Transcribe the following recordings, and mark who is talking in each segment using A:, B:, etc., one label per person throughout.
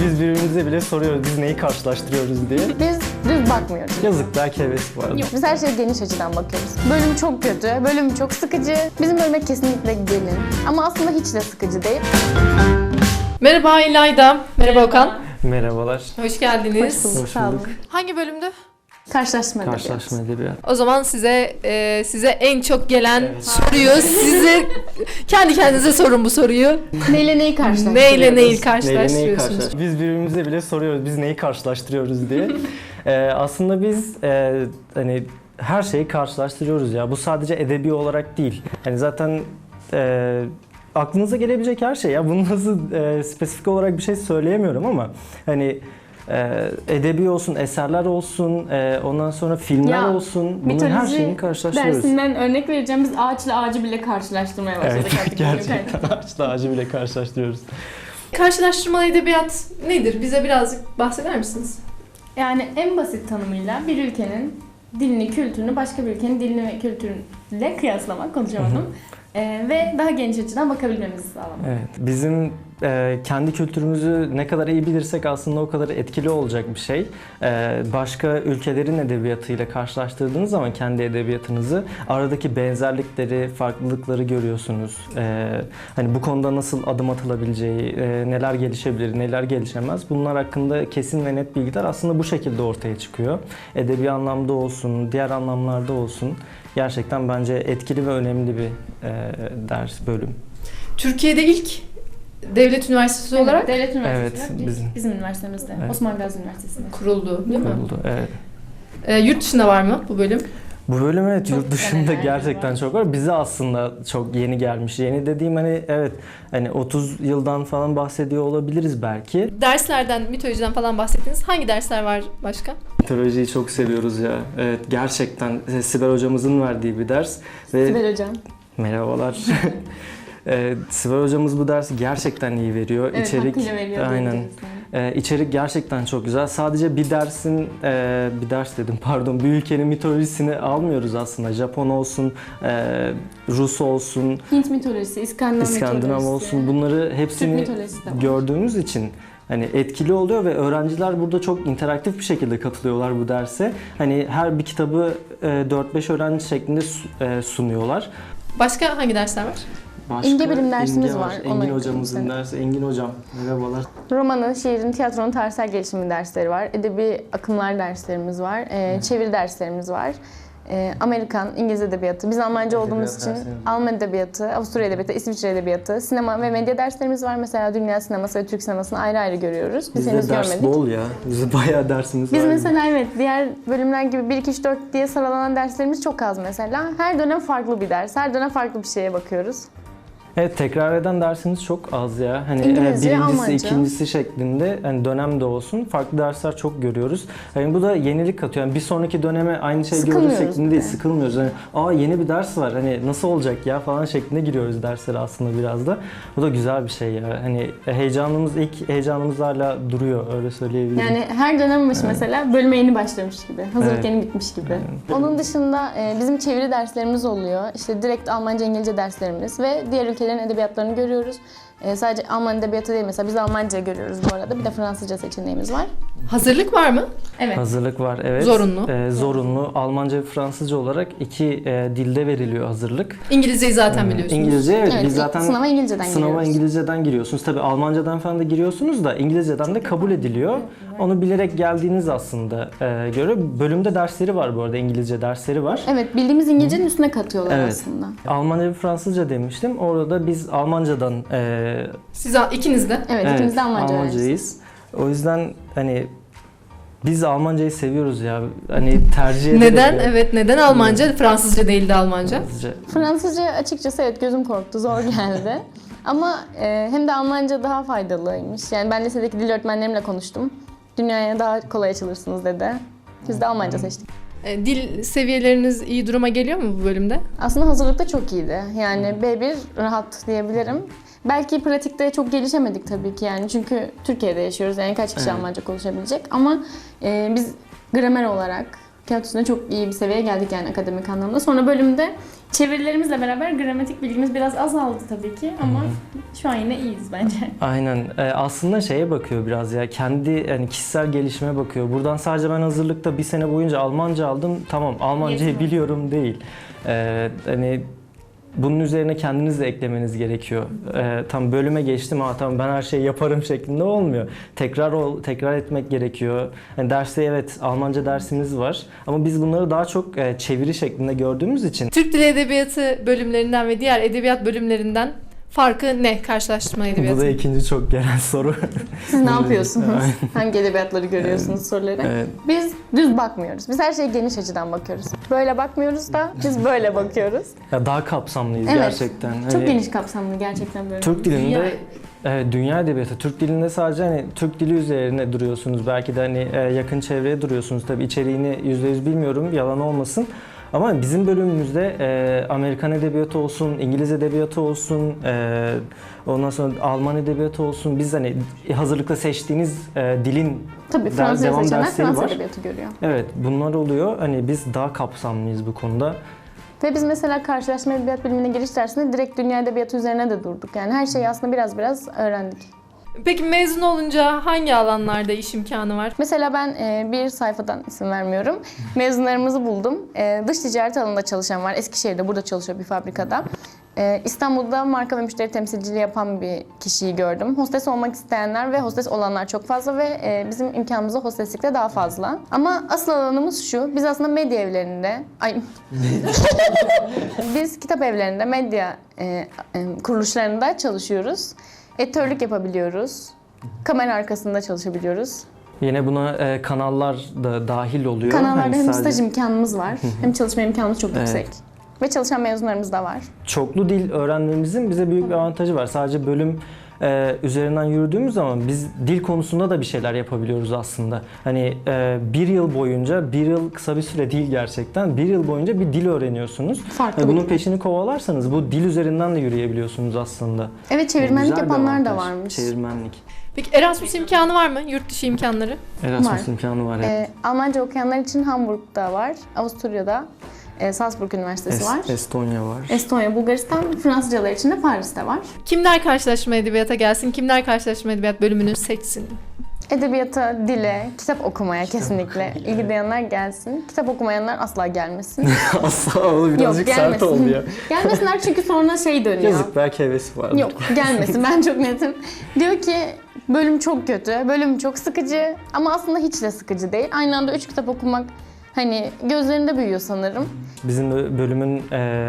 A: Biz birbirimize bile soruyoruz biz neyi karşılaştırıyoruz diye.
B: Biz düz bakmıyoruz.
A: Yazık belki heves var.
B: Yok, biz her şeye geniş açıdan bakıyoruz. Bölüm çok kötü, bölüm çok sıkıcı. Bizim bölüme kesinlikle gelin. Ama aslında hiç de sıkıcı değil.
C: Merhaba İlayda. Merhaba Okan.
A: Merhabalar.
C: Hoş geldiniz.
B: Hoş bulduk,
A: Hoş
B: sağ olun.
A: bulduk.
C: Hangi bölümdü?
B: Karşılaştırma edebiyatı.
A: Karşılaşma edebiyatı.
C: O zaman size en çok gelen soruyu size kendi kendinize sorun bu soruyu.
B: Neyle neyi karşılaştırıyoruz?
C: Neyle neyi
A: Neyle neyi
C: karşılaştırıyorsunuz?
A: Biz birbirimize bile soruyoruz biz neyi karşılaştırıyoruz diye. Aslında biz hani her şeyi karşılaştırıyoruz ya. Bu sadece edebi olarak değil. Hani zaten aklınıza gelebilecek her şey ya. Bunu nasıl spesifik olarak bir şey söyleyemiyorum ama hani edebi olsun, eserler olsun, ondan sonra filmler
B: Ya,
A: olsun. Bunun her şeyini karşılaştırıyoruz.
B: dersinden örnek vereceğim. Biz ağaçla ağacı bile karşılaştırmaya başladık
A: Evet,
B: artık.
A: gerçekten ağaçla ağacı bile karşılaştırıyoruz.
C: Karşılaştırmalı edebiyat nedir? Bize birazcık bahseder misiniz?
B: Yani en basit tanımıyla bir ülkenin dilini, kültürünü başka bir ülkenin dilini ve kültürüyle kıyaslamak, konuşamadım. Ve daha geniş açıdan bakabilmemizi sağlamak.
A: Evet, bizim kendi kültürümüzü ne kadar iyi bilirsek aslında o kadar etkili olacak bir şey. Başka ülkelerin edebiyatıyla karşılaştırdığınız zaman kendi edebiyatınızı aradaki benzerlikleri, farklılıkları görüyorsunuz. Hani bu konuda nasıl adım atılabileceği, neler gelişebilir, neler gelişemez bunlar hakkında kesin ve net bilgiler aslında bu şekilde ortaya çıkıyor. Edebi anlamda olsun, diğer anlamlarda olsun. Gerçekten bence etkili ve önemli bir ders, bölüm.
C: Türkiye'de ilk devlet üniversitesi olarak
B: Devlet Üniversitesi
A: Evet,
B: bizim üniversitemizde,
A: Evet.
B: Osman Gazi Üniversitesi'nde.
C: kuruldu değil mi?
A: Kuruldu, evet.
C: Yurt dışında var mı bu bölüm?
A: Bu bölüm evet
B: Çok
A: yurt dışında
B: denemeler
A: gerçekten
B: var.
A: çok var. Bize aslında çok yeni gelmiş. Yeni dediğim hani evet hani 30 yıldan falan bahsediyor olabiliriz belki.
C: Derslerden, mitolojiden falan bahsettiniz. Hangi dersler var başka?
A: Mitolojiyi çok seviyoruz ya. Evet gerçekten Sibel hocamızın verdiği bir ders. Ve
B: Sibel Hocam.
A: merhabalar. Sibel hocamız bu dersi gerçekten iyi veriyor.
B: Evet,
A: İçerik
B: hakkıyla veriyor.
A: aynen.
B: diyebiliriz yani.
A: İçerik gerçekten çok güzel. Sadece bir dersin, bir ders dedim pardon, bir ülkenin mitolojisini almıyoruz aslında. Japon olsun, Rus olsun,
B: Hint mitolojisi,
A: İskandinav
B: mitolojisi.
A: olsun bunları
B: Türk
A: hepsini
B: mitolojisi de var.
A: gördüğümüz için hani etkili oluyor ve öğrenciler burada çok interaktif bir şekilde katılıyorlar bu derse. Hani her bir kitabı 4-5 öğrenci şeklinde sunuyorlar.
C: Başka hangi dersler var?
A: Başka
B: İnge bilim dersimiz
A: İnge
B: var, ona
A: Engin
B: yakın
A: hocamızın
B: sene.
A: dersi. Engin hocam merhabalar.
B: Romanın, şiirin, tiyatronun tarihsel gelişimi dersleri var. Edebi akımlar derslerimiz var. Çeviri derslerimiz var. Amerikan, İngiliz edebiyatı. Biz Almanca olduğumuz için
A: derslerimiz var.
B: Alman edebiyatı, Avusturya edebiyatı, İsviçre edebiyatı, sinema ve medya derslerimiz var. Mesela dünya sineması ve Türk sinemasını ayrı ayrı görüyoruz. Biz henüz
A: Bizde ders
B: görmedik.
A: bol ya. Bizde bayağı dersimiz
B: Biz
A: var.
B: mesela evet diğer bölümler gibi 1, 2, 3, 4 diye sıralanan derslerimiz çok az mesela. Her dönem farklı bir ders. Her dönem farklı bir şeye bakıyoruz.
A: Evet tekrar eden dersimiz çok az ya. Hani
B: İngilizce,
A: birincisi,
B: Almanca.
A: ikincisi şeklinde hani dönemde olsun farklı dersler çok görüyoruz. Yani bu da yenilik katıyor. Yani bir sonraki döneme aynı şey görürüz
B: Sıkılmıyoruz
A: şeklinde
B: bir
A: değil,
B: de.
A: sıkılmıyoruz. Hani yeni bir ders var. Hani nasıl olacak ya falan şeklinde giriyoruz derslere aslında biraz da. Bu da güzel bir şey ya. Hani ilk heyecanımız hala duruyor öyle söyleyebilirim.
B: Yani her dönem başı mesela bölüme yeni başlamış gibi, hazırlık
A: Evet.
B: yeni bitmiş gibi. Onun dışında bizim çeviri derslerimiz oluyor. İşte direkt Almanca, İngilizce derslerimiz ve diğer ülkelerin edebiyatlarını görüyoruz. Sadece Alman edebiyatı değil mesela biz Almanca görüyoruz bu arada. Bir de Fransızca seçeneğimiz var.
C: Hazırlık var mı?
B: Evet.
A: Hazırlık var evet.
C: Zorunlu.
A: Zorunlu. Almanca ve Fransızca olarak iki dilde veriliyor hazırlık.
C: İngilizceyi zaten biliyorsunuz.
A: İngilizce evet,
B: Evet,
A: biz zaten
B: sınava İngilizceden
A: sınava
B: giriyoruz.
A: İngilizceden giriyorsunuz. Tabii Almancadan falan da giriyorsunuz da İngilizceden de kabul ediliyor. Onu bilerek geldiğiniz aslında göre bölümde dersleri var bu arada İngilizce dersleri var.
B: Evet, bildiğimiz İngilizcenin üstüne katıyorlar
A: Evet.
B: aslında.
A: Almanca ve Fransızca demiştim. Orada biz Almancadan
C: Siz ikiniz de.
B: Evet, ikimiz de Almanca öğrencisiyiz.
A: Almancayız. O yüzden hani biz Almancayı seviyoruz ya. Hani tercih ederek.
C: Neden? Evet, neden Almanca? Fransızca değil de Almanca.
A: Fransızca.
B: Fransızca açıkçası evet gözüm korktu, zor geldi. Ama hem de Almanca daha faydalıymış. Yani ben lisedeki dil öğretmenlerimle konuştum. Dünyaya daha kolay açılırsınız dedi. Biz de Almanca seçtik.
C: Dil seviyeleriniz iyi duruma geliyor mu bu bölümde?
B: Aslında hazırlıkta çok iyiydi. Yani B1 rahat diyebilirim. Belki pratikte çok gelişemedik tabii ki yani çünkü Türkiye'de yaşıyoruz yani kaç kişi
A: Evet.
B: Almanca konuşabilecek ama biz gramer olarak kağıt üstünde çok iyi bir seviyeye geldik yani akademik anlamda. Sonra bölümde Çevirilerimizle beraber gramatik bilgimiz biraz azaldı tabii ki ama şu an yine iyiyiz bence.
A: Aynen. Aslında şeye bakıyor biraz ya. Kendi yani kişisel gelişime bakıyor. Buradan sadece ben hazırlıkta bir sene boyunca Almanca aldım. Tamam, Almancayı
B: Yetmiyor.
A: biliyorum değil. Hani bunun üzerine kendiniz de eklemeniz gerekiyor. Tam bölüme geçtim, tamam ben her şeyi yaparım şeklinde olmuyor. Tekrar etmek gerekiyor. Yani derste evet Almanca dersimiz var ama biz bunları daha çok çeviri şeklinde gördüğümüz için
C: Türk Dili Edebiyatı bölümlerinden ve diğer edebiyat bölümlerinden farkı ne karşılaştırma
A: bu
C: edebiyatı?
A: da ikinci çok gelen soru.
B: Siz ne yapıyorsunuz? Hangi edebiyatları görüyorsunuz soruları?
A: Evet.
B: Biz düz bakmıyoruz. Biz her şeye geniş açıdan bakıyoruz. Böyle bakmıyoruz da biz böyle bakıyoruz.
A: Ya daha kapsamlıyız
B: Evet.
A: gerçekten.
B: Çok
A: Hani
B: geniş kapsamlı gerçekten böyle.
A: Türk dilinde
C: Dünya-
A: evet, dünya edebiyatı. Türk dilinde sadece hani Türk dili üzerine duruyorsunuz. Belki de hani yakın çevreye duruyorsunuz. Tabii içeriğini %100 bilmiyorum, yalan olmasın. Ama bizim bölümümüzde Amerikan edebiyatı olsun, İngiliz edebiyatı olsun, ondan sonra Alman edebiyatı olsun. Biz hani hazırlıkta seçtiğiniz dilin
B: Tabii Fransızca
A: devam
B: seçenler
A: dersleri
B: Fransız
A: var.
B: edebiyatı görüyor.
A: Evet, bunlar oluyor. Hani biz daha kapsamlıyız bu konuda.
B: Ve biz mesela karşılaşma edebiyat bölümüne giriş dersinde direkt dünya edebiyatı üzerine de durduk. Yani her şeyi aslında biraz öğrendik.
C: Peki mezun olunca hangi alanlarda iş imkanı var?
B: Mesela ben bir sayfadan isim vermiyorum. Mezunlarımızı buldum. Dış ticaret alanında çalışan var. Eskişehir'de burada çalışıyor bir fabrikada. İstanbul'da marka ve müşteri temsilciliği yapan bir kişiyi gördüm. Hostes olmak isteyenler ve hostes olanlar çok fazla ve bizim imkanımız da hosteslikte daha fazla. Ama asıl alanımız şu. Biz aslında medya evlerinde, biz kitap evlerinde, medya kuruluşlarında çalışıyoruz. Editörlük yapabiliyoruz. Kamera arkasında çalışabiliyoruz.
A: Yine buna kanallar da dahil oluyor.
B: Kanallarda
A: Hani
B: hem
A: sadece-
B: staj imkanımız var, hem çalışma imkanımız çok
A: Evet.
B: yüksek. Ve çalışan mezunlarımız da var.
A: Çoklu dil öğrenmemizin bize büyük bir avantajı var. Sadece bölüm üzerinden yürüdüğümüz zaman biz dil konusunda da bir şeyler yapabiliyoruz aslında. Hani bir yıl boyunca, bir yıl kısa bir süre değil gerçekten, bir yıl boyunca bir dil öğreniyorsunuz.
B: Farklı
A: Bunun
B: bir-
A: peşini kovalarsanız bu dil üzerinden de yürüyebiliyorsunuz aslında.
B: Evet, çevirmenlik
A: Güzel bir
B: yapanlar da
A: avantaj.
B: varmış.
A: Çevirmenlik.
C: Peki Erasmus imkanı var mı? Yurt dışı imkanları?
A: Erasmus
B: Var.
A: imkanı var. Evet.
B: Almanca okuyanlar için Hamburg'da var, Avusturya'da Salzburg Üniversitesi var.
A: Estonya var.
B: Estonya, Bulgaristan, Fransızcalar için de Paris'te var.
C: Kimler karşılaşma edebiyata gelsin? Kimler karşılaşma edebiyat bölümünü seçsin?
B: Edebiyata, dile, kitap okumaya kesinlikle ilgi duyanlar gelsin. Kitap okumayanlar asla gelmesin.
A: Asla o birazcık sert oldu ya.
B: Gelmesinler çünkü sonra şey dönüyor.
A: Yazık, belki hevesi vardı.
B: Yok, gelmesin, ben çok netim. Diyor ki bölüm çok kötü, bölüm çok sıkıcı ama aslında hiç de sıkıcı değil. Aynı anda 3 kitap okumak hani gözlerinde büyüyor sanırım.
A: Bizim bölümün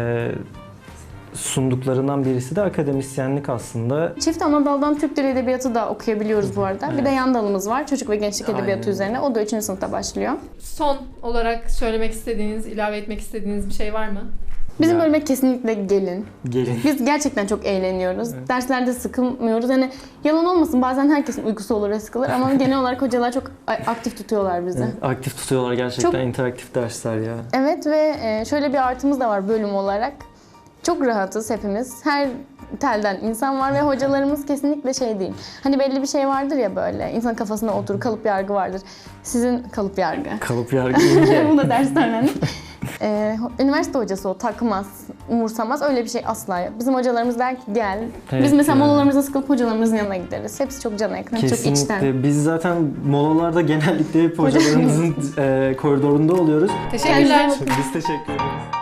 A: sunduklarından birisi de akademisyenlik aslında.
B: Çift ana daldan Türk Dili Edebiyatı da okuyabiliyoruz bu arada. Bir de yan dalımız var, çocuk ve gençlik edebiyatı
A: Aynen.
B: üzerine. O da 3. sınıfta başlıyor.
C: Son olarak söylemek istediğiniz, ilave etmek istediğiniz bir şey var mı?
B: Bizim
A: Ya.
B: bölüme kesinlikle gelin.
A: Gelin.
B: Biz gerçekten çok eğleniyoruz. Derslerde sıkılmıyoruz. Yani yalan olmasın, bazen herkesin uykusu olur ve sıkılır ama genel olarak hocalar çok aktif tutuyorlar bizi.
A: Aktif tutuyorlar gerçekten,
B: Çok-
A: interaktif dersler ya.
B: Evet ve şöyle bir artımız da var bölüm olarak. Çok rahatız hepimiz. Her telden insan var ve hocalarımız kesinlikle şey değil. Hani belli bir şey vardır ya böyle. İnsanın kafasına oturur, kalıp yargı vardır. Sizin kalıp yargı.
A: Kalıp yargı ince.
B: Bunu da dersten öğrendik. Üniversite hocası o takmaz, umursamaz. Öyle bir şey asla yok. Bizim hocalarımız der ki gel.
A: Evet
B: Biz mesela
A: ya.
B: molalarımıza sıkılıp hocalarımızın yanına gideriz. Hepsi çok cana yakın, çok içten.
A: Kesinlikle. Biz zaten molalarda genellikle hep hocalarımızın koridorunda oluyoruz.
C: Teşekkürler.
B: Kendinize
A: Biz teşekkür ederiz.